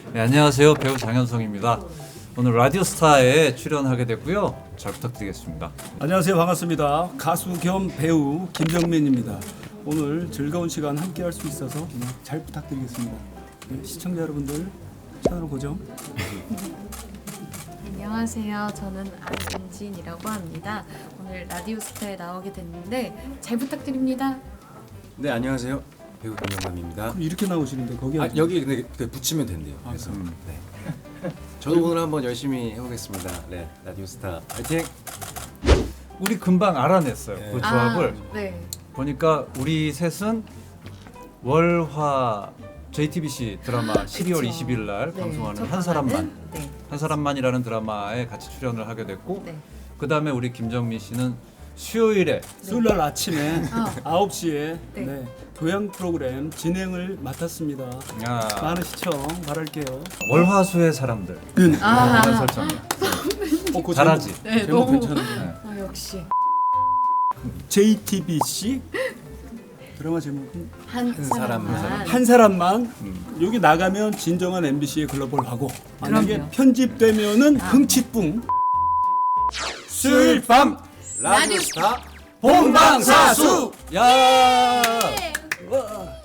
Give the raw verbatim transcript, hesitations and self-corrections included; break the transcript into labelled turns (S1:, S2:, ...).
S1: 네, 안녕하세요. 배우 장현성입니다. 오늘 라디오스타에 출연하게 됐고요. 잘 부탁드리겠습니다.
S2: 안녕하세요. 반갑습니다. 가수 겸 배우 김정민입니다. 오늘 즐거운 시간 함께 할 수 있어서 네, 잘 부탁드리겠습니다. 네, 시청자 여러분들 채널 고정.
S3: 안녕하세요. 저는 안진이라고 합니다. 오늘 라디오스타에 나오게 됐는데 잘 부탁드립니다.
S4: 네, 안녕하세요. 배우 김영남입니다.
S2: 그럼 이렇게 나오시는데 거기
S4: 아,
S2: 앉아.
S4: 여기 근데 그 붙이면 된대요. 그래서
S1: 음.
S4: 네. 저도 오늘 한번 열심히 해보겠습니다. 네, 라디오스타 파이팅!
S1: 우리 금방 알아냈어요.
S4: 네.
S1: 그 조합을
S3: 아, 네.
S1: 보니까 우리 셋은 월화 제이티비씨 드라마 십이월
S3: 그쵸.
S1: 이십일 날
S3: 네,
S1: 방송하는
S3: 첫
S1: 한 사람만
S3: 방송은, 네.
S1: 한 사람만이라는 드라마에 같이 출연을 하게 됐고
S3: 네.
S1: 그 다음에 우리 김정민 씨는 수요일에
S2: 수요일 날 아침에
S3: 아.
S2: 아홉 시에
S3: 네.
S2: 네, 교양 프로그램 진행을 맡았습니다.
S1: 아,
S2: 많은 시청 바랄게요.
S1: 월화수의 사람들
S3: 아.
S1: 이런 설정이에요.
S2: 어, 그
S1: 잘하지?
S2: 제목,
S3: 네,
S2: 제목
S3: 너무-
S2: 괜찮은데.
S1: 네.
S3: 아, 역시
S2: 제이티비씨 드라마 제목은
S3: 한,
S4: 한
S3: 사람만.
S4: 사람만.
S2: 한 사람만.
S1: 음.
S2: 여기 나가면 진정한 엠비씨의 글로벌하고 만약에
S3: 그럼요.
S2: 편집되면은
S3: 아.
S2: 흥칫뿡.
S4: 수요일 밤 라디오스타
S2: 본방사수.
S1: 야!
S3: 네.
S2: 와.